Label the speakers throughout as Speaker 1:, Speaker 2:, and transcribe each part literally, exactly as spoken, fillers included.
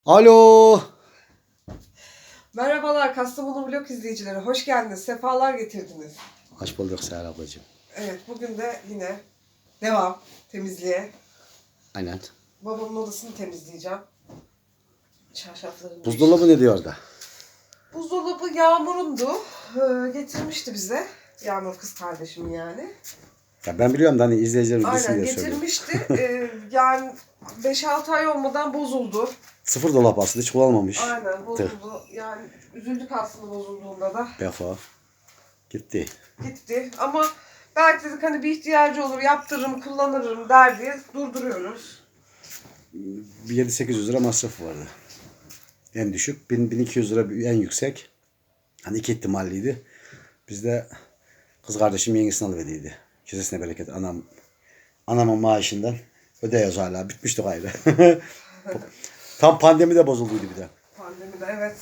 Speaker 1: Alo.
Speaker 2: Merhabalar Kastamonu Vlog izleyicileri. Hoş geldiniz. Sefalar getirdiniz.
Speaker 1: Hoş bulduk Seher ablacığım.
Speaker 2: Evet, bugün de yine devam temizliğe.
Speaker 1: Aynen.
Speaker 2: Babamın odasını temizleyeceğim. Çarşaflarını
Speaker 1: Buzdolabı ne diyor da?
Speaker 2: Buzdolabı Yağmur'undu. Ee, getirmişti bize. Yağmur kız kardeşim yani.
Speaker 1: Ya ben biliyorum da hani izleyicilerim bilsin
Speaker 2: Aynen
Speaker 1: diye söylüyorum.
Speaker 2: getirmişti. ee, yani beş altı ay olmadan bozuldu.
Speaker 1: Sıfır dolap aslında hiç kullanmamış.
Speaker 2: Aynen bozuldu. Yani üzüldük aslında bozulduğunda da.
Speaker 1: Defa. Gitti.
Speaker 2: Gitti ama belki dedik hani bir ihtiyacı olur yaptırırım kullanırım der diye durduruyoruz.
Speaker 1: Bir yedi sekiz yüz lira masrafı vardı. En düşük. bin iki yüz lira en yüksek. Hani iki ihtimalliydi. Biz de kız kardeşim yengesini alıverdiydi. Kesesine bereket. Anam anamın maaşından ödeyiyoruz hala. Bitmişti gayrı. Tam pandemide bozulduydu bir de.
Speaker 2: Pandemide evet.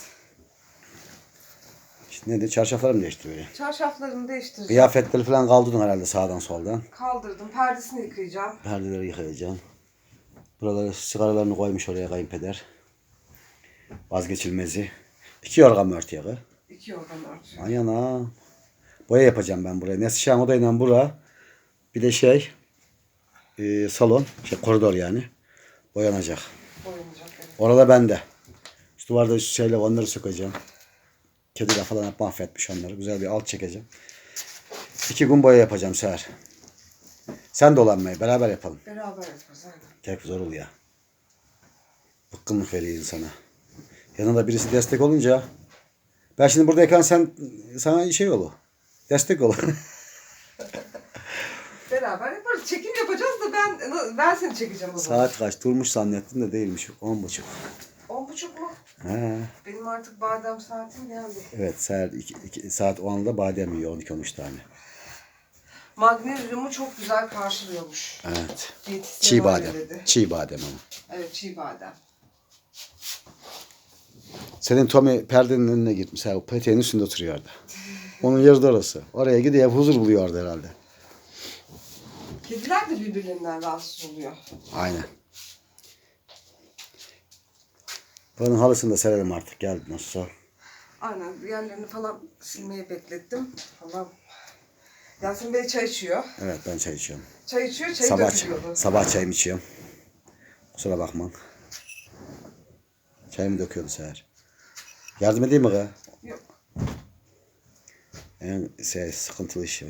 Speaker 1: İşte ne de çarşaflarımı değiştiriyor.
Speaker 2: Çarşaflarını değiştireceğim.
Speaker 1: Kıyafetleri falan kaldırdın herhalde sağdan soldan.
Speaker 2: Kaldırdım. Perdesini yıkayacağım.
Speaker 1: Perdeleri yıkayacağım. Buraları sigaralarını koymuş oraya kayınpeder. Vazgeçilmezi. İki yorgan örtüye.
Speaker 2: İki yorgan örtü.
Speaker 1: Ayana. Boya yapacağım ben buraya. Neslihan odayla bura. Bir de şey e, salon. Şey koridor yani. Boyanacak.
Speaker 2: Boyanacak evet.
Speaker 1: Orada bende. Şu duvarda şeyle onları sökeceğim. Kediler falan hep mahvetmiş onları. Güzel bir alt çekeceğim. İki gün boya yapacağım Seher. Sen de olanmayı beraber yapalım.
Speaker 2: Beraber yaparız aynen.
Speaker 1: Tek zor ol ya. Bıkkınlık veriyor insana. Yanında birisi destek olunca ben şimdi buradayken sen sana şey ol. Destek ol.
Speaker 2: Beraber yaparız. Çekim yapacağız da ben ben seni çekeceğim o zaman.
Speaker 1: Saat kaç? Durmuş zannettim de değilmiş. On buçuk.
Speaker 2: On buçuk mu?
Speaker 1: He.
Speaker 2: Benim artık badem saatim geldi.
Speaker 1: Evet saat, iki, iki, saat onda badem yiyor on iki on üç tane.
Speaker 2: Magnezyumu çok güzel karşılıyormuş.
Speaker 1: Evet.
Speaker 2: Diyetisyen
Speaker 1: Çiğ badem.
Speaker 2: öyle dedi.
Speaker 1: Çiğ badem ama.
Speaker 2: Evet çiğ badem.
Speaker 1: Senin Tommy perdenin önüne gitmiş. O peteğin üstünde oturuyordu. Onun yeri de orası. Oraya gidiyor huzur buluyordu herhalde.
Speaker 2: Kediler de birbirlerinden rahatsız oluyor.
Speaker 1: Aynen. Bunun halısını da serelim artık. Geldi nasılsa.
Speaker 2: Aynen yerlerini falan silmeyi beklettim. Falan. Yasin Bey çay içiyor.
Speaker 1: Evet ben çay içiyorum.
Speaker 2: Çay içiyor, çayı
Speaker 1: Sabah,
Speaker 2: dökülüyordu.
Speaker 1: sabah çayımı içiyorum. Kusura bakma. Çayımı döküyordu Seher. Yardım edeyim mi kız?
Speaker 2: Yok.
Speaker 1: En şey, sıkıntılı iş.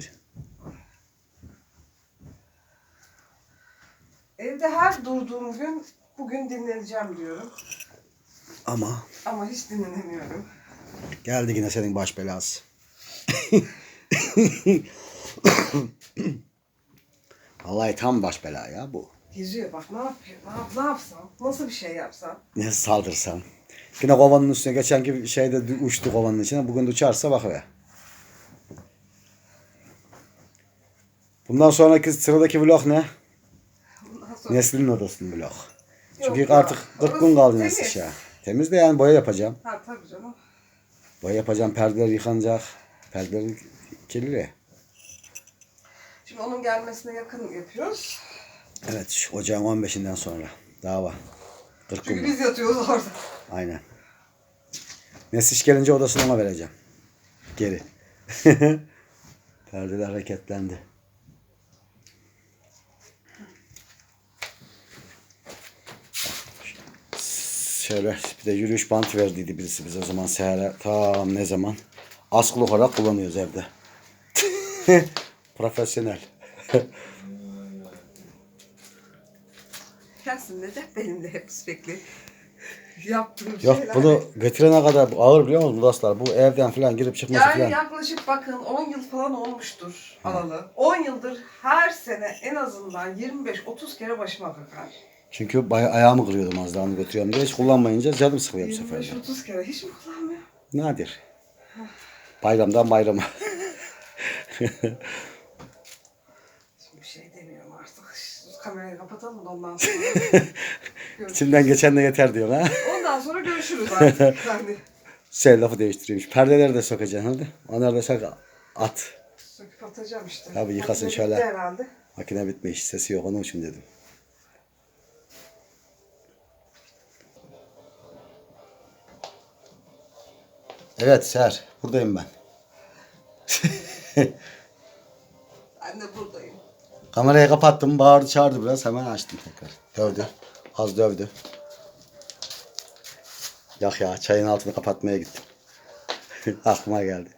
Speaker 2: Evde her durduğum gün bugün dinleneceğim diyorum.
Speaker 1: Ama
Speaker 2: Ama hiç dinlenemiyorum.
Speaker 1: geldi yine senin baş belası. Vallahi tam baş bela ya bu.
Speaker 2: Geziyor bak ne yapıyor, ne, yap, ne yapsam, nasıl bir şey yapsam.
Speaker 1: Ne saldırsan. Yine kovanın üstüne geçen gibi şeyde uçtu kovanın içine. Bugün de uçarsa bak be. Bundan sonraki sıradaki vlog ne?
Speaker 2: Ondan sonra...
Speaker 1: Neslinin odasının vlog. Çünkü
Speaker 2: Yok
Speaker 1: artık
Speaker 2: ya,
Speaker 1: kırk gün
Speaker 2: orası
Speaker 1: kaldı
Speaker 2: temiz.
Speaker 1: Nesliş ya. Temiz de yani boya yapacağım.
Speaker 2: Ha tabii canım.
Speaker 1: Boya yapacağım, perdeler yıkanacak. Perdeler kirli.
Speaker 2: Şimdi onun gelmesine yakın yapıyoruz.
Speaker 1: Evet, şu ocağın on beşinden sonra. Daha var. kırk
Speaker 2: Çünkü
Speaker 1: gün var.
Speaker 2: biz yatıyoruz orada.
Speaker 1: Aynen. Nesliş gelince odasını ona vereceğim. Geri. Perdeler hareketlendi. Şöyle bir de yürüyüş bantı verdiydi birisi bize o zaman Seher'e. Tam ne zaman? Askılı olarak kullanıyoruz evde. Profesyonel.
Speaker 2: Yasin de benim de hep sürekli yaptığım
Speaker 1: Yok
Speaker 2: şeyler.
Speaker 1: bunu getirene kadar bu ağır biliyor musunuz dostlar? Bu evden falan girip çıkması
Speaker 2: Yani
Speaker 1: falan.
Speaker 2: yaklaşık bakın on yıl falan olmuştur alalı. on yıldır her sene en azından yirmi beş otuz kere başıma kakar.
Speaker 1: Çünkü bayağı ayağımı kırıyordum az daha onu götürüyorum diye. Hiç kullanmayınca canım sıkılıyor bu
Speaker 2: yirmi
Speaker 1: sefer
Speaker 2: beş
Speaker 1: de.
Speaker 2: otuz kere hiç mi kullanmıyor?
Speaker 1: Nadir. Bayramdan bayrama.
Speaker 2: Şimdi bir şey demiyorum artık. Şu kamerayı kapatalım da ondan sonra.
Speaker 1: İçimden geçen de yeter diyor ha.
Speaker 2: Ondan sonra görüşürüz artık. Ben de
Speaker 1: Şey lafı değiştiriyormuş. Perdeleri de sokacaksın hadi. Onları da sok at.
Speaker 2: söküp atacağım işte.
Speaker 1: Tabii yıkasın
Speaker 2: Makine
Speaker 1: şöyle.
Speaker 2: bitti herhalde.
Speaker 1: Makine bitmiş. Sesi yok onun için dedim. Evet Ser. Buradayım ben.
Speaker 2: Ben de buradayım.
Speaker 1: Kamerayı kapattım. Bağırdı çağırdı biraz. Hemen açtım tekrar. Dövdü. Az dövdü. Yok ya çayın altını kapatmaya gittim. Aklıma geldi.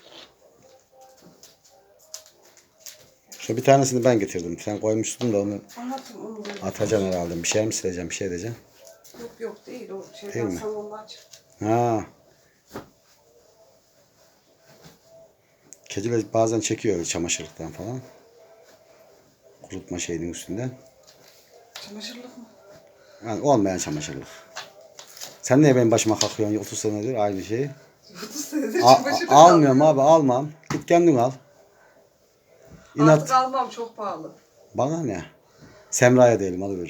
Speaker 1: Şu bir tanesini ben getirdim. Sen koymuştun da onu
Speaker 2: Anlatın onu. da.
Speaker 1: atacaksın herhalde. Bir şey mi sileceğim? Bir şey edeceğim.
Speaker 2: Yok yok değil o
Speaker 1: Değil
Speaker 2: şeyden
Speaker 1: mi?
Speaker 2: salondan çıktı.
Speaker 1: Ha. Kediler bazen çekiyor çamaşırlıktan falan. Kurutma şeyinin üstünden.
Speaker 2: Çamaşırlık mı?
Speaker 1: Yani olmayan çamaşırlık. Sen niye benim başıma kalkıyorsun otuz senedir aynı şeyi?
Speaker 2: otuz senedir
Speaker 1: A-
Speaker 2: çamaşırlık
Speaker 1: almıyorum
Speaker 2: almıyorum.
Speaker 1: abi almam. Git kendin al.
Speaker 2: Artık
Speaker 1: İnat.
Speaker 2: almam çok pahalı.
Speaker 1: Bana ne? Semra'ya diyelim alıver.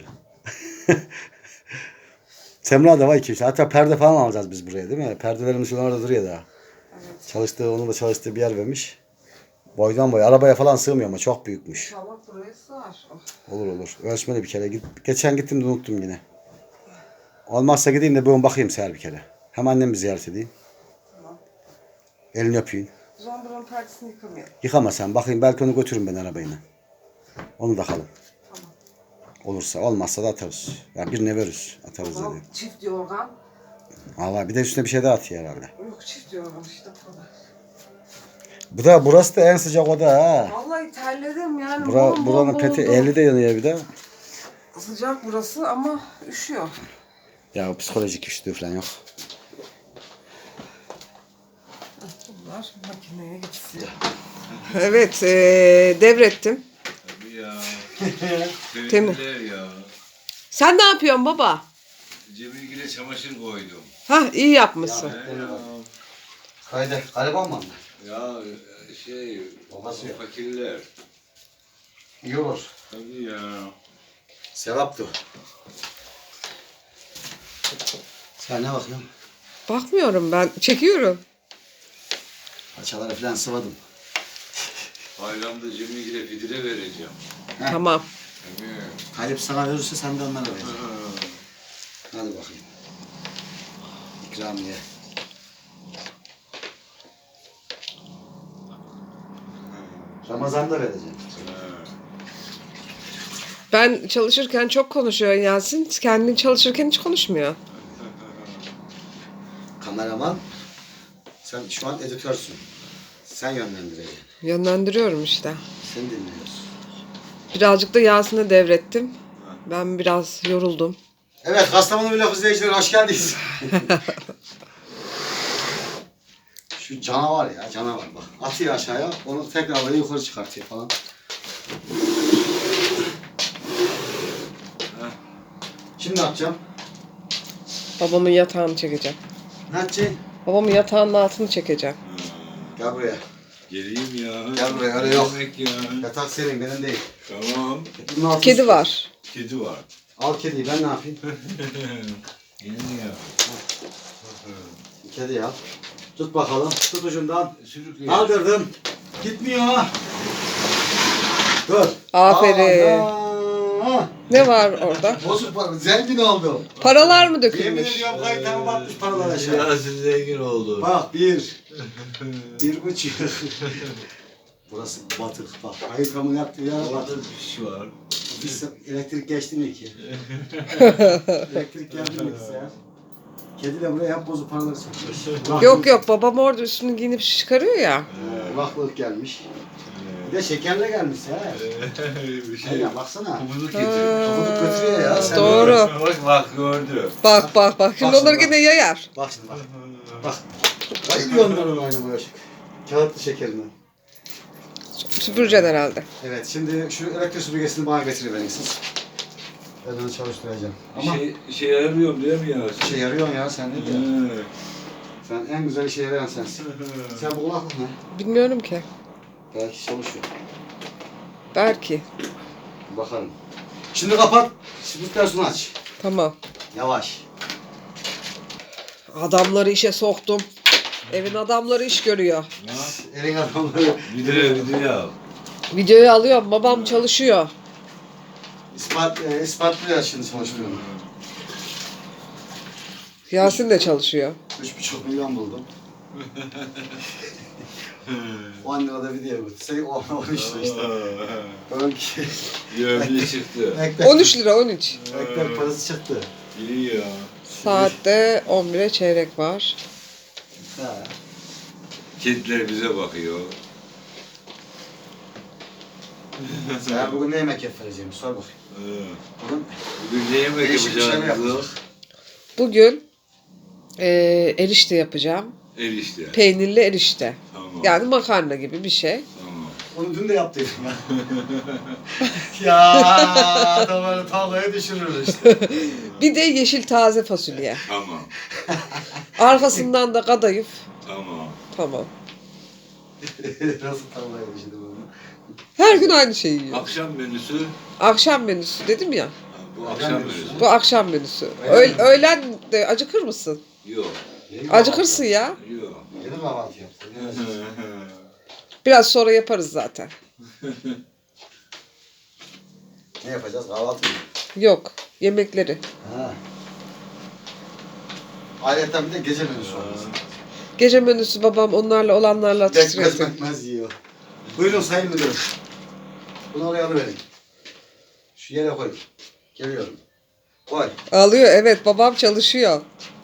Speaker 1: Semra da var iki üç. Hatta perde falan alacağız biz buraya değil mi? Perdelerimiz şu orada duruyor daha.
Speaker 2: Evet.
Speaker 1: Çalıştığı, onun da çalıştığı bir yer vermiş. Boydan boya. Arabaya falan sığmıyor ama çok büyükmüş.
Speaker 2: İnşallah buraya sığar. Oh.
Speaker 1: Olur olur. Ölçmeli bir kere. Git. Geçen gittim de unuttum yine. Olmazsa gideyim de bir bakayım seher bir kere. Hem annemi ziyaret edeyim.
Speaker 2: Tamam.
Speaker 1: Elini öpeyim.
Speaker 2: O zaman buranın perdesini yıkamayalım.
Speaker 1: Yıkama sen. Bakayım belki onu götürürüm ben arabayla. Onu da alalım.
Speaker 2: Tamam.
Speaker 1: Olursa. Olmazsa da atarız. Ya birine veririz. Atarız
Speaker 2: Tamam.
Speaker 1: dedi.
Speaker 2: Çift yorgan.
Speaker 1: Allah bir de üstüne bir şey daha atıyor herhalde.
Speaker 2: Yok çift yorgan işte burada.
Speaker 1: Bu da burası da en sıcak oda ha.
Speaker 2: Vallahi terledim yani.
Speaker 1: Bura,
Speaker 2: bol bol
Speaker 1: buranın peti
Speaker 2: oldu.
Speaker 1: elli de yanıyor bir de.
Speaker 2: Sıcak burası ama üşüyor.
Speaker 1: Ya psikolojik üşüdüğü falan yok.
Speaker 2: Bunlar makineye gitsin. Evet, ee, devrettim.
Speaker 3: Tabii ya.
Speaker 2: Temiz.
Speaker 3: Sevdiler ya.
Speaker 2: Sen ne yapıyorsun baba?
Speaker 3: Cemilgil'e çamaşır koydum.
Speaker 2: Hah iyi yapmışsın.
Speaker 3: He ya.
Speaker 1: Haydi gariban mı?
Speaker 3: Ya şey,
Speaker 1: Babası yok.
Speaker 3: fakirler.
Speaker 1: İyi olur.
Speaker 3: Tabii ya.
Speaker 1: Sevaptı. Sen ne bakıyorsun?
Speaker 2: Bakmıyorum ben, çekiyorum.
Speaker 1: Paçaları falan sıvadım.
Speaker 3: Bayramda Cemilgil'e fidire vereceğim.
Speaker 1: Heh.
Speaker 2: Tamam.
Speaker 3: Tabii.
Speaker 1: Halep sana verirse sen de onlara ver.
Speaker 3: Ha.
Speaker 1: Hadi bakayım. İkramiye. Ramazan'da vereceğim.
Speaker 2: Ben çalışırken çok konuşuyor Yasin. Kendin çalışırken hiç konuşmuyor.
Speaker 1: Kameraman. Sen şu an editörsün. Sen yönlendireceksin.
Speaker 2: Yönlendiriyorum işte.
Speaker 1: Seni dinliyoruz.
Speaker 2: Birazcık da Yasin'e devrettim. Ben biraz yoruldum.
Speaker 1: Evet, Kastamonu Vlog izleyicileri hoş geldiniz. Şu canavar ya, canavar bak. Atıyor aşağıya, onu tekrar böyle yukarı çıkartıyor falan. Şimdi ne yapacağım?
Speaker 2: Babamın yatağını çekeceğim.
Speaker 1: Ne yapacaksın?
Speaker 2: Babamın yatağının altını çekeceğim.
Speaker 1: Gel buraya.
Speaker 3: Geleyim ya.
Speaker 1: Gel buraya, öyle yok.
Speaker 3: Yemek ya.
Speaker 1: Yatak senin, benim değil.
Speaker 3: Tamam.
Speaker 1: Bunun altını
Speaker 2: Kedi
Speaker 1: sıkıyorsun.
Speaker 2: var.
Speaker 3: Kedi var.
Speaker 1: Al kediyi, ben ne yapayım?
Speaker 3: Gelin ya.
Speaker 1: Kediyi al. Tut bakalım, tut ucundan.
Speaker 3: Sürükleyin.
Speaker 1: Kaldırdım. Gitmiyor. Dur.
Speaker 2: Aferin.
Speaker 1: Aa,
Speaker 2: Ne var orada?
Speaker 1: bozuk para, zengin oldum.
Speaker 2: Paralar mı
Speaker 1: Yemin
Speaker 2: dökülmüş?
Speaker 1: ediyorum kayıtlarım batmış paralar aşağı.
Speaker 3: Ya siz zengin oldu.
Speaker 1: Bak bir, bir buçuk. Burası batık bak. Kayıtlarımın yaptığı yer
Speaker 3: Orada
Speaker 1: batık.
Speaker 3: bir şey var.
Speaker 1: Biz elektrik geçti mi ki? Elektrik geldi mi ki ya? Kedi de buraya hep bozuk paraları çekiyor.
Speaker 2: Yok yok babam orada üstünü giyinip çıkarıyor ya.
Speaker 1: Kulaklık gelmiş. Bir de şekerle gelmiş ya.
Speaker 3: bir
Speaker 1: Şey
Speaker 3: şey.
Speaker 1: ya baksana.
Speaker 3: Kumuzluk getirmiş.
Speaker 1: Kafamı götürüyor ya. Sen
Speaker 2: Doğru.
Speaker 3: Bak bak gördü.
Speaker 2: Bak bak bak. Şimdi
Speaker 1: Bak
Speaker 2: onları
Speaker 1: şimdi
Speaker 2: yine yayar.
Speaker 1: Bak şimdi bak. Bak. Bayılıyor onların aynı böyle. Kağıtlı şekerinden.
Speaker 2: Süpüreceksin herhalde.
Speaker 1: Evet şimdi şu elektrik süpürgesini bana getiriverin siz. Ben onu çalıştıracağım. Ama
Speaker 3: Şey, şey ayarlıyorum değil mi ya?
Speaker 1: işe yarıyorsun ya sen ne diyorsun?
Speaker 3: He.
Speaker 1: Sen en güzel işe yarayan sensin. Sen bu kulaklık ne?
Speaker 2: Bilmiyorum ki.
Speaker 1: Belki çalışıyor.
Speaker 2: Belki.
Speaker 1: Bakalım. Şimdi kapat. Süpürgesini aç.
Speaker 2: Tamam.
Speaker 1: Yavaş.
Speaker 2: Adamları işe soktum. Evin adamları iş görüyor.
Speaker 3: Ne yap?
Speaker 1: Elin adamları.
Speaker 3: Video video yap.
Speaker 2: Videoyu alıyorum. Babam çalışıyor.
Speaker 1: İspat, e, ispatlıyor şimdi çalıştığını.
Speaker 2: Yasin de çalışıyor.
Speaker 1: Üç buçuk milyon buldum. on lirada video götürsek on üç lira işte. Belki
Speaker 3: Yövmeye çıktı.
Speaker 1: ekmek,
Speaker 2: on üç lira on üç.
Speaker 1: ekmek parası çıktı.
Speaker 3: İyi ya.
Speaker 2: Saatte on bire çeyrek var.
Speaker 1: Ha.
Speaker 3: Kediler bize bakıyor.
Speaker 1: Sen bugün ne yemek yapacağım? Sor bakayım.
Speaker 3: Ee,
Speaker 1: Bugün
Speaker 3: Bugün ne yemek
Speaker 1: değişik bir şey mi
Speaker 3: yapacağız?
Speaker 1: yapacağız?
Speaker 2: Bugün eee erişte yapacağım.
Speaker 3: Erişte.
Speaker 2: Peynirli erişte.
Speaker 3: Tamam.
Speaker 2: Yani makarna gibi bir şey.
Speaker 3: Tamam.
Speaker 1: Onu dün de yaptıydım ya. Ya adamları tavlaya düşürür işte.
Speaker 2: Bir de yeşil taze fasulye.
Speaker 3: Tamam.
Speaker 2: Arkasından da kadayıf.
Speaker 3: Tamam.
Speaker 2: Tamam.
Speaker 1: Nasıl tavlaya düşürdüm onu?
Speaker 2: Her gün aynı şeyi yiyor.
Speaker 3: Akşam menüsü.
Speaker 2: Akşam menüsü dedim ya.
Speaker 3: Ha, Bu akşam menüsü.
Speaker 2: Bu akşam menüsü. Öğ- öğlen de acıkır mısın?
Speaker 3: Yok.
Speaker 1: Yeni
Speaker 2: Acıkırsın ya.
Speaker 3: Yok.
Speaker 1: Yeni kahvaltı yaptım.
Speaker 2: Biraz sonra yaparız zaten.
Speaker 1: Ne yapacağız? Kahvaltı mı?
Speaker 2: Yok. Yemekleri.
Speaker 1: Ha. Ayrıca bir de gece menüsü olması.
Speaker 2: Gece menüsü babam onlarla olanlarla
Speaker 1: Bekmez
Speaker 2: atıştırıyor.
Speaker 1: bekmez yiyor. Buyurun sayın müdürüm. Bunu oraya alıverin. Şu yere koy. Geliyorum. Koy.
Speaker 2: Alıyor evet babam çalışıyor.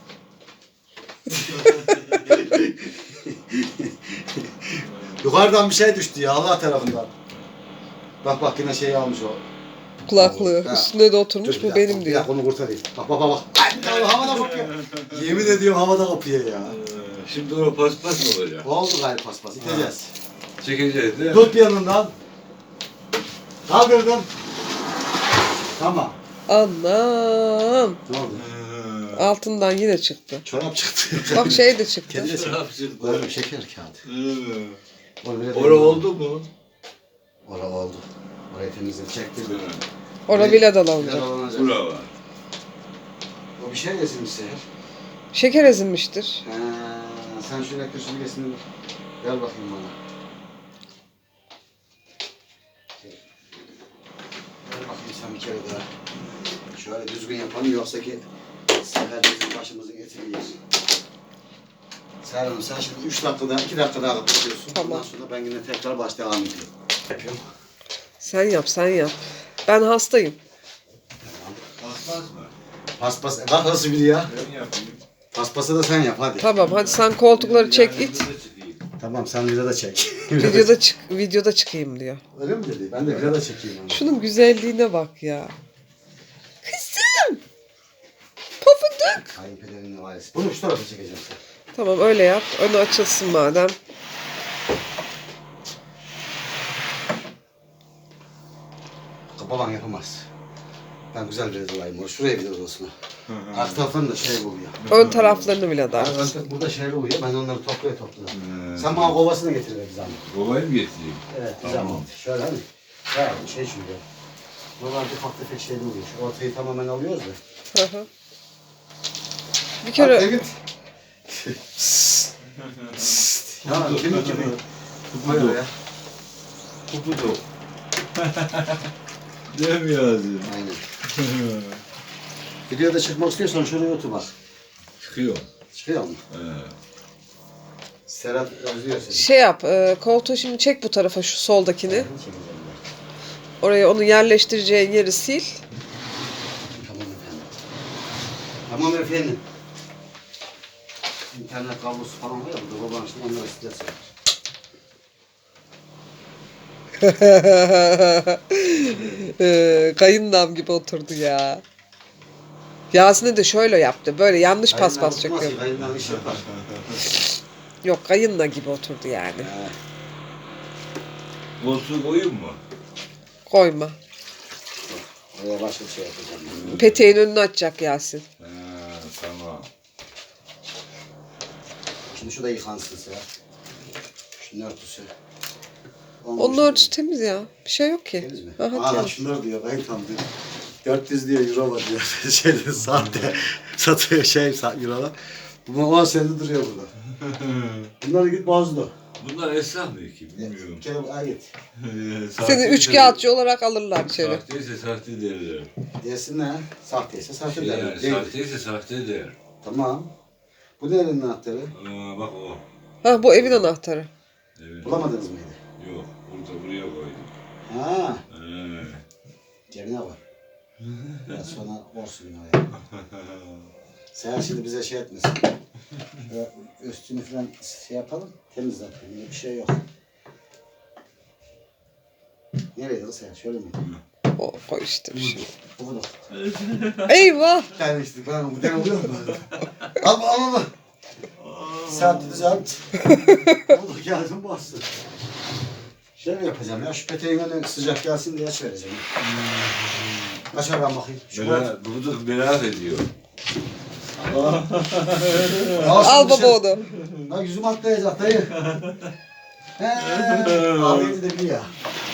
Speaker 1: Yukarıdan bir şey düştü ya Allah tarafından. Bak bak yine şey almış o.
Speaker 2: Kulaklığı.
Speaker 1: Ha.
Speaker 2: Üstüne de oturmuş
Speaker 1: Dur, bir
Speaker 2: bu
Speaker 1: dakika,
Speaker 2: benim
Speaker 1: bir
Speaker 2: diyor.
Speaker 1: dakika onu kurtarayım. Bak bak bak bak. Ay, havada kopuyor. Yemin ediyorum havada kopuyor ya.
Speaker 3: Ee, Şimdi o paspas mı olacak?
Speaker 1: Oldu gayrı paspas. İteceğiz.
Speaker 3: Çekeceğiz değil mi?
Speaker 1: Tut bir yanından. Kaldırdım. Tamam.
Speaker 2: Anam.
Speaker 1: Ne oldu?
Speaker 3: Ee,
Speaker 2: Altından yine çıktı.
Speaker 1: Çorap çıktı.
Speaker 2: Bak şey de çıktı.
Speaker 1: Kendi de çıktı.
Speaker 3: Çorap çıktı.
Speaker 1: Oğlum şeker kağıdı.
Speaker 3: Ee,
Speaker 1: Oğlum, öyle
Speaker 3: Ora
Speaker 1: değil.
Speaker 3: oldu mu?
Speaker 1: Ora oldu. Orayı temizledim. Çektim.
Speaker 2: Orada bile dalanacak.
Speaker 1: Yaralanacak.
Speaker 3: Bura var.
Speaker 1: O bir şey yesinmiş Seher.
Speaker 2: Şeker ezilmiştir.
Speaker 1: Ha, sen şöyle süpürgesini ver bakayım bana. Ver bakayım sen bir kere daha. Şöyle düzgün yapalım yoksa ki Seher bizim başımızın etini yer. Seher Hanım sen şimdi üç dakikada, iki dakika daha kapatıyorsun.
Speaker 2: Tamam.
Speaker 1: Ondan sonra ben yine tekrar baş devam ediyorum. Yapıyorum.
Speaker 2: Sen yap sen yap. Ben hastayım.
Speaker 3: Paspas mı?
Speaker 1: Paspas, bak nasıl biri ya.
Speaker 3: Ben yapayım.
Speaker 1: Paspası da sen yap hadi.
Speaker 2: Tamam hadi sen koltukları çek
Speaker 3: Yani
Speaker 2: it.
Speaker 3: burada çıkayım.
Speaker 1: Tamam sen videoda çek.
Speaker 2: Videoda çık videoda çıkayım diyor.
Speaker 1: Öyle mi dedi? Ben de videoda çekeyim onu.
Speaker 2: Şunun güzelliğine bak ya. Kızım. Pofuduk.
Speaker 1: Kayınpederinin ailesi. Bunu şu tarafa çekeceğim sen.
Speaker 2: Tamam öyle yap. Önü açılsın madem.
Speaker 1: Baban yapamaz. Ben güzel bir olayım onu. Şuraya bir odasına. Arka taraftan da şey oluyor.
Speaker 2: Ön taraflarını bile dar.
Speaker 1: Ön- Burada şeyler oluyor. Ben onları toplaya toplaya.
Speaker 3: Ee,
Speaker 1: Sen bana kovasını getir be bir zahmet.
Speaker 3: Kovayı mı getireyim?
Speaker 1: Evet bir
Speaker 3: Tamam.
Speaker 1: zahmet. Şöyle hani. Ya şey çünkü. Buralarda ufak tefek şeyler oluyor. Şu ortayı tamamen alıyoruz da.
Speaker 2: Hı hı. Bir
Speaker 1: Hadi
Speaker 2: kere
Speaker 1: git. Ya kimi kimi. Koy
Speaker 3: Kupudu.
Speaker 1: oraya.
Speaker 3: Kupudu. Değil mi yazıyor?
Speaker 1: Aynen. Videoda çıkmak istiyorsan şuraya otur bak.
Speaker 3: Çıkıyor.
Speaker 1: Çıkıyor mu?
Speaker 3: Ee,
Speaker 1: Serhat özlüyor seni.
Speaker 2: şey yap. E, koltuğu şimdi çek bu tarafa şu soldakini.
Speaker 1: Çekeceğim ben.
Speaker 2: Oraya onu yerleştireceğin yeri sil.
Speaker 1: Tamam efendim. Tamam efendim. İnternet kablosu falan var ya burada baban şimdi onları stres yapar.
Speaker 2: e, kayınlam gibi oturdu ya. Yasin'e de şöyle yaptı. Böyle yanlış paspas çekiyor.
Speaker 1: Kayınlar iş yapar.
Speaker 2: Yok kayınla gibi oturdu yani.
Speaker 1: He.
Speaker 3: koltuğu koyayım mı?
Speaker 2: Koyma.
Speaker 1: Oraya başka bir şey yapacağım. ben.
Speaker 2: Peteğin önünü açacak Yasin.
Speaker 3: Ee, tamam.
Speaker 1: Şimdi şu da yıkansın Serhat. Şunun örtüsü.
Speaker 2: Onun örtüsü temiz ya. Bir şey yok ki.
Speaker 1: Temiz mi?
Speaker 2: Aha,
Speaker 1: Aa
Speaker 2: temiz.
Speaker 1: şunlar diyor ben tam diyor. dört yüz diyor euro var diyor. Şeyde sahte satıyor şey sa- eurolar. Bu on senedir duruyor burada. Bunları git bozdu.
Speaker 3: Bunlar esnaf mı ki? Bilmiyorum.
Speaker 1: Bir kere ay git.
Speaker 2: Seni üç kağıtçı olarak alırlar içeri.
Speaker 3: Sahteyse sahte derler.
Speaker 1: Desin ne? Sahteyse sahte
Speaker 3: Şey
Speaker 1: derler.
Speaker 3: yani,
Speaker 1: Değil.
Speaker 3: sahteyse sahte der.
Speaker 1: Tamam. Bu nerenin anahtarı?
Speaker 3: Aa, bak o.
Speaker 2: Ha bu evin anahtarı.
Speaker 3: Evet.
Speaker 1: Bulamadınız mıydı?
Speaker 3: Yok. Burada buraya koydum.
Speaker 1: Ha,
Speaker 3: He.
Speaker 1: cebine var. Biraz sonra olsun oraya. Sen şimdi bize şey etmesin. Şöyle üstünü falan şey yapalım, temiz zaten. Yine bir şey yok. Nereye kız sen? Şöyle mi?
Speaker 2: O koy işte bir şey.
Speaker 1: Bu kadar.
Speaker 2: Eyvah!
Speaker 1: Yani işte ben bu den oluyor mu? Al al al. Saat düzelt. Bu da geldim bastı. Şöyle yapacağım ya, şu peteğin önüne sıcak gelsin diye aç vereceğim. Açar ben bakayım. Şu
Speaker 3: Merak, bunu merak ediyor.
Speaker 2: Al baba onu.
Speaker 1: Lan yüzüm atlayacak dayı. Heee. Ağlayınca da bir ya.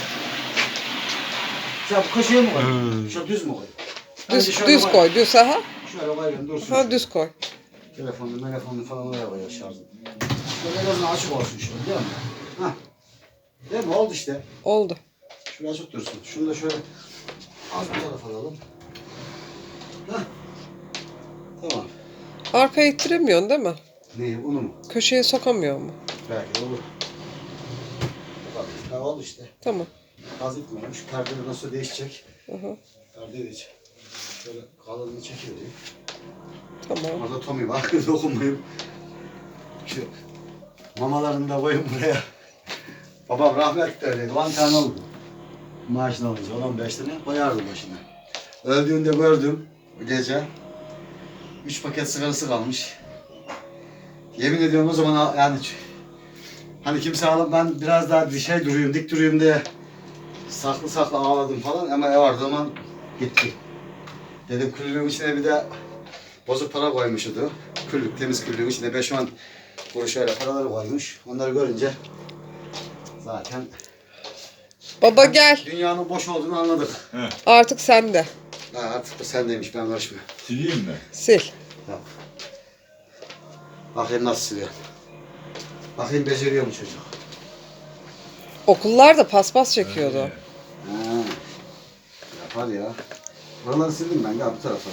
Speaker 1: Sen bu köşeye mi koy? Şöyle düz mü koy? Bence
Speaker 2: Düz,
Speaker 1: şöyle
Speaker 2: düz koy, düz ha.
Speaker 1: Şöyle koyalım dursun.
Speaker 2: Ha düz koy.
Speaker 1: Telefonunu, telefonunu falan oraya koyuyor şarjı. Şöyle en azından açık olsun şöyle, değil mi? Hah. Değil mi? Oldu işte.
Speaker 2: Oldu.
Speaker 1: Şöyle açık dursun. Şunu da şöyle az bir tarafa alalım. Hah. Tamam.
Speaker 2: Arkaya ittiremiyorsun değil mi?
Speaker 1: Neyi? Unu mu?
Speaker 2: Köşeye sokamıyor mu?
Speaker 1: Belki olur. Bak, ha, oldu işte.
Speaker 2: Tamam.
Speaker 1: Az gitmemiş. Perdeleri nasıl değişecek?
Speaker 2: Hı hı.
Speaker 1: Perdeyi de çek. Şöyle kalınlığı çekivereyim.
Speaker 2: Tamam.
Speaker 1: Orada Tommy var. Dokunmayayım. Şu mamalarını da koyun buraya. Babam rahmetli öyleydi. on tane oldu. Maaşını alınca on beş tane koyardı başına. Öldüğünde gördüm bu gece. Üç paket sigarası kalmış. Yemin ediyorum o zaman yani hani kimse ağlam ben biraz daha bir şey duruyum, dik duruyum diye saklı saklı ağladım falan ama ev vardı zaman gitti. Dedim küllüğün içine bir de bozuk para koymuştu. Küllük, temiz küllüğün içine beş on kuruş öyle paraları koymuş. Onları görünce zaten
Speaker 2: Baba gel.
Speaker 1: dünyanın boş olduğunu anladık.
Speaker 2: Artık sende.
Speaker 1: Ha, artık bu sendeymiş, ben karışmıyorum.
Speaker 3: Sileyim mi?
Speaker 2: Sil.
Speaker 1: Tamam. Bakayım nasıl siliyor. Bakayım beceriyor mu çocuk?
Speaker 2: Okullarda paspas çekiyordu.
Speaker 3: Evet.
Speaker 1: Ha. Yapar ya. Buraları sildim ben ya bu tarafa.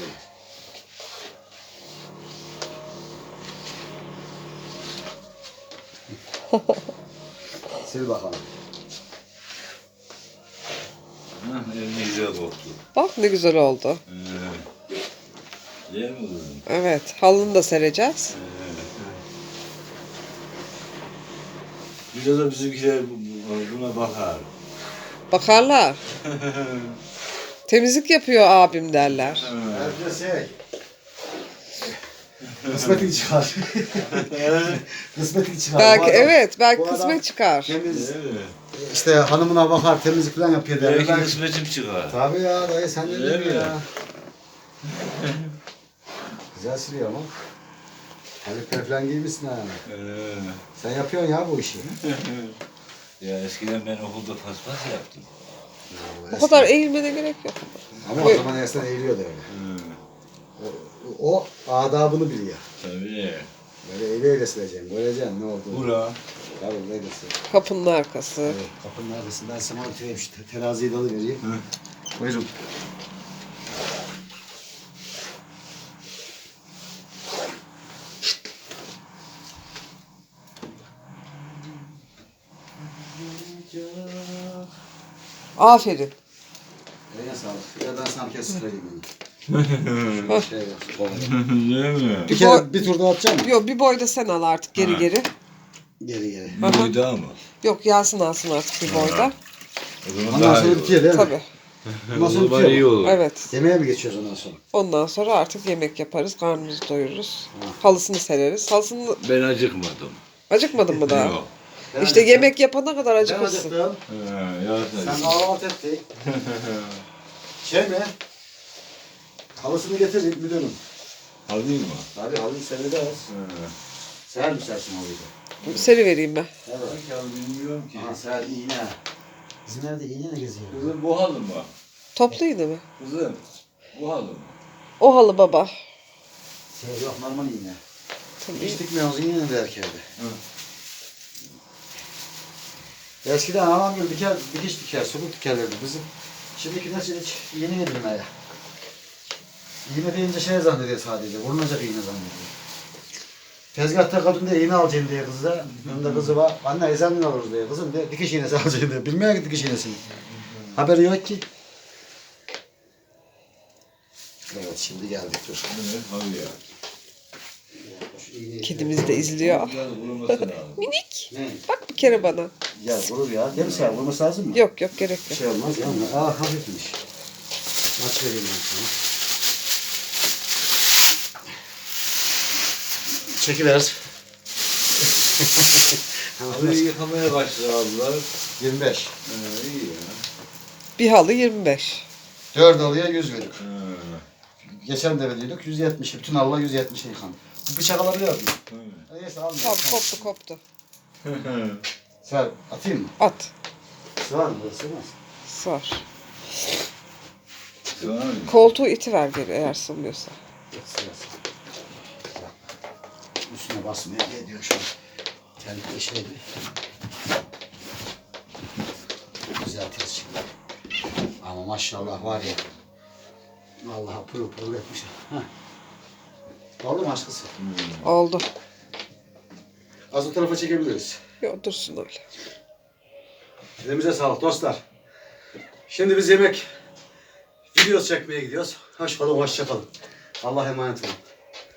Speaker 1: Sil bakalım.
Speaker 3: Hah, elini güzel koktu.
Speaker 2: Bak ne güzel oldu.
Speaker 3: Evet. Değil mi kızım?
Speaker 2: Evet. Halını da sereceğiz.
Speaker 3: Biraz da bizimkiler bu- bu- buna bakar.
Speaker 2: Bakarlar. Temizlik yapıyor abim derler.
Speaker 1: Herkes şey. Kısmetin çıkar. Kısmetin çıkar.
Speaker 2: Belki
Speaker 1: Bu adam-
Speaker 2: evet. Belki
Speaker 1: bu adam
Speaker 2: kısmet çıkar.
Speaker 1: Temiz.
Speaker 3: Değil mi?
Speaker 1: İşte hanımına bakar, temizlik falan yapıyor derler.
Speaker 3: Belki
Speaker 1: Ben-
Speaker 3: kısmetim çıkar.
Speaker 1: Tabii ya dayı sen ne
Speaker 3: Değil
Speaker 1: diyorsun
Speaker 3: mi?
Speaker 1: ya? Güzel siliyor ama. Terlikler falan giymişsin ha.
Speaker 3: Ee,
Speaker 1: Sen yapıyorsun ya bu işi.
Speaker 3: ya eskiden ben okulda paspas yaptım.
Speaker 2: O kadar eğilmene gerek yok.
Speaker 1: Ama o zaman eskiden eğiliyordu öyle.
Speaker 3: Hı,
Speaker 1: O, o adabını biliyor.
Speaker 3: tabii.
Speaker 1: Böyle eğile eğile sileceksin. Göreceksin ne olduğunu.
Speaker 3: Bura.
Speaker 1: Tabii böyle sil.
Speaker 2: Kapının arkası.
Speaker 1: Evet, kapının arkasından sana oturayım şu teraziyi de alıvereyim. Buyurun.
Speaker 2: Aferin.
Speaker 1: Eline sağlık. Ya ben sana bir kez sıkayım bunu. şey yok.
Speaker 3: Değil mi?
Speaker 1: Bir kere bir tur daha atacağım mı?
Speaker 2: Yok bir boy da sen al artık geri
Speaker 3: Ha.
Speaker 2: geri.
Speaker 1: Geri geri.
Speaker 3: Bir boy daha mı?
Speaker 2: Yok Yasin alsın artık bir boyda.
Speaker 3: O zaman
Speaker 1: Ondan
Speaker 3: daha iyi
Speaker 1: sonra
Speaker 3: olur.
Speaker 1: bitiyor değil mi?
Speaker 2: Tabii.
Speaker 1: Ondan sonra
Speaker 3: O zaman
Speaker 1: bitiyor.
Speaker 3: iyi olur.
Speaker 2: Evet.
Speaker 1: Yemeğe mi geçiyoruz ondan sonra?
Speaker 2: Ondan sonra artık yemek yaparız. Karnımızı doyururuz. Halısını sereriz. Halısını
Speaker 3: Ben acıkmadım.
Speaker 2: acıkmadın mı daha?
Speaker 3: Yok.
Speaker 2: İşte yemek yapana kadar
Speaker 1: Ben
Speaker 2: acıkırsın.
Speaker 1: acıktım.
Speaker 3: Ha, ya
Speaker 1: Sen kahvaltı ettin. Şey mi? Halısını getir müdürüm.
Speaker 3: Alayım mı?
Speaker 1: Tabii halıyı seyrederiz.
Speaker 3: Ha.
Speaker 1: Seher mi sersin halıyı?
Speaker 2: Seri vereyim ben.
Speaker 1: Evet.
Speaker 3: Ya bilmiyorum ki.
Speaker 1: Aha seher iğne. Bizim evde iğne ne geziyor?
Speaker 3: Kızım bu halı mı?
Speaker 2: Toplu yine mi?
Speaker 3: Kızım bu halı mı?
Speaker 2: O halı baba.
Speaker 1: Şey yok normal iğne.
Speaker 2: Tabii.
Speaker 1: Hiç dikmiyoruz iğne de erkeğe. Eskiden anam gibi diker, dikiş diker, sokuk dikerlerdi bizim. Şimdiki nesil hiç iğne bilmeye. İğne deyince şey zannediyor sadece, vurulacak iğne zannediyor. Tezgahta kadın da iğne alacaksın diye kızı. Onun da kızı var. Anne ezanın alırız diye kızım diye. Dikiş iğnesi alacaksın diye. Bilmiyor ki dikiş iğnesini. Haberi yok ki. Evet şimdi geldik dur.
Speaker 3: Abi ya.
Speaker 2: Kedimiz de izliyor.
Speaker 3: Biraz vurulması lazım.
Speaker 2: Minik.
Speaker 1: Ne?
Speaker 2: Bak bir kere bana.
Speaker 1: Ya vurur ya. Değil mi sen? Vurması lazım mı?
Speaker 2: Yok yok gerek
Speaker 1: Bir
Speaker 2: yok.
Speaker 1: şey olmaz ya. Aa hafifmiş. Aç vereyim ben sana. Çekiver.
Speaker 3: Abi yıkamaya başladılar.
Speaker 1: yirmi beş.
Speaker 3: Ee, iyi ya.
Speaker 2: Bir halı yirmi beş.
Speaker 1: dört alıya yüz verdik.
Speaker 3: Ha.
Speaker 1: Geçen de veriyorduk yüz yetmiş. Bütün Allah yüz yetmişe yıkandı. Bu bıçak alabiliyor muyum?
Speaker 3: Hı.
Speaker 1: Neyse almıyorum.
Speaker 2: Tamam koptu koptu.
Speaker 1: Sen atayım mı?
Speaker 2: At.
Speaker 1: Sığar mı? Sığmaz.
Speaker 2: Sar.
Speaker 3: Tamam mı?
Speaker 2: Koltuğu itiver geri eğer sığmıyorsa.
Speaker 1: Sığar. Üstüne basmaya geliyor şu an. Terlikle şeydi. Düzeltiriz şimdi. Ama maşallah var ya. Vallahi pırıl pırıl etmiş. Heh. Oldu mu aşkısı?
Speaker 2: Oldu.
Speaker 1: Az o tarafa çekebiliriz.
Speaker 2: Yok dursun öyle.
Speaker 1: Elimize sağlık dostlar. Şimdi biz yemek videosu çekmeye gidiyoruz. Hoş kalın, hoşça kalın. Allah'a emanet olun.